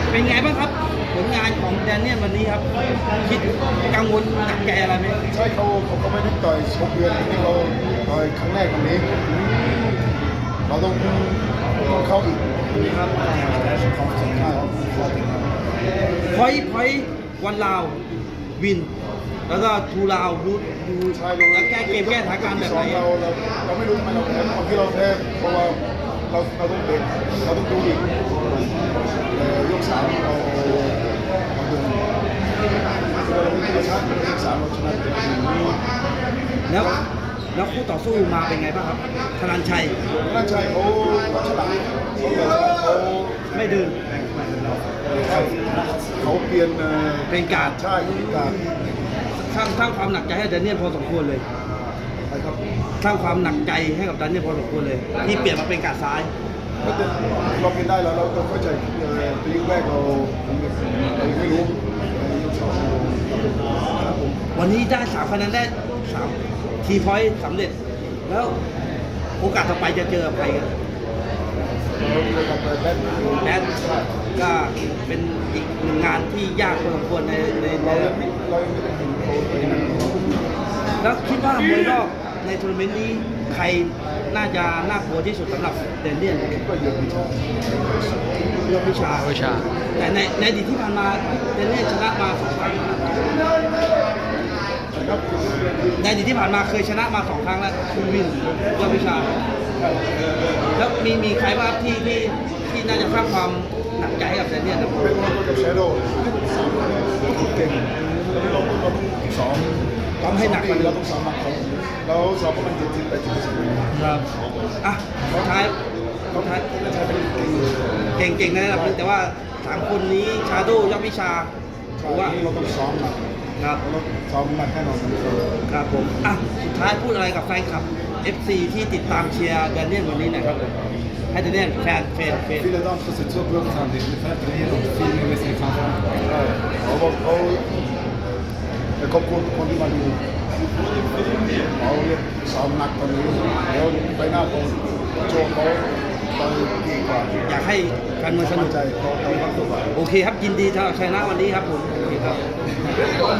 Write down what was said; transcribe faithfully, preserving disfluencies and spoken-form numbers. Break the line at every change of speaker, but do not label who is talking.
เป็นไงบ้างครับผลงานของแดเนียลวันนี้ครับคิดกังวลหนักใจอะไรไหม
ใช่เขาเขาเขาไม่ได้ต่อยชกเดือนที่เขาต่อยครั้งแรกวันนี้เราต้องต้องเข้าอีกนี่ครับของสำคัญของตัวจริงครับ
พอยพอยวันลาววิน แล้วก็ทูลาวดูดู
ใช่
แล้วแก้เกมแก้สถานการณ์แบบไหน
เราเราเราไม่รู้ทำไมเราแพ้คนที่เราแพ้เพราะว่าเราเราต้องเด็กเราต้องดูอีกยกสามเราเราเดินเราชนะยกสามเราชนะเด็ก
แล้วแล้วคู่ต่อสู้มาเป็นไงบ้างครับธนันชัย
น่าใช่เขาเขาฉลาดเขา
ไม่เดิน
เขาเปลี่ยน
เป็นการ
ใช่เป็นการ
สร้างสร้างความหนักใจให้แดเนียลพอสมควรเลย
นะครับ
สร้างความหนักใจให้กับแดเนียลพอสมควรเลย ที่เปลี่ยนมาเป็นการซ้าย
เราเป็นได้แล้วเราเข้าใจปีแรกเราไม่รู้
วันนี้ได้สามคะแนนได้สามทีพอยต์สำเร็จ แล้วโอกาสต่อไปจะเจอใครกันแดนก็เป็นอีกหนึ่งงานที่ยากพอสมควรในในใน
เรายังไม่เรายังไม่ได้เห็นเขา
แล้วคิดว่ามวยรอบในทัวร์นาเมนต์นี้ใครน่าจะน่ากลัวที่สุดสำหรับแดนเนียล
ก็เยอะวิชา
เรื่องวิชา
วิชา
แต่ในในอดีตที่ผ่านมาแดนเนียลชนะมาสองครั้งในอดีตที่ผ่านมาเคยชนะมาสองครั้งแล้วคุณวินเรื่องวิชา แล้วมีมีใครบ้างที่ที่ที่น่าจะสร้างความหนักใจให้กับแดนเนียลนะ
เป็นคนกับแชโดว์เก่งเราเราต้องซ้อม
ต้องให้หนักกว่า
เรา
นี้
ต้องซ้อมหนักเขาเราซ้อมประมาณเจ็ดสิบแปดสิบเปอร์เซ็นต์
ครับอ่ะสุดท้ายสุดท้าย
ใช่เป็นเก่ง
เก่งๆในระดับหนึงแต่ว่าสามคนนี้ชาโดยอดวิชาถือว่า
เราต้องซ้อมหนัก
ครับ
เราซ้อมหนักแน่นอน
ครับผมอ่ะสุดท้ายพูดอะไรกับแฟนคลับ เอฟ ซี ที่ติดตามเชียร์แดเนียลวันนี้หนะครับให้แดเนียลแฟนแฟนแฟน
Vielen Dank för sitt uppmärksamhet. Det är fett att och filma med sin framför. Ja, och och jag kom på på det man ju. Ja, jag sa nack på nu. Jag påหน้าตรงโชว์เขาตอนดีกว่า
อยากให้การเมืองสนุก
ใจเขาเขาความสุข
โอเคครับยินดีสำหรับชัยนะวันนี้ครับผมโอเคครับ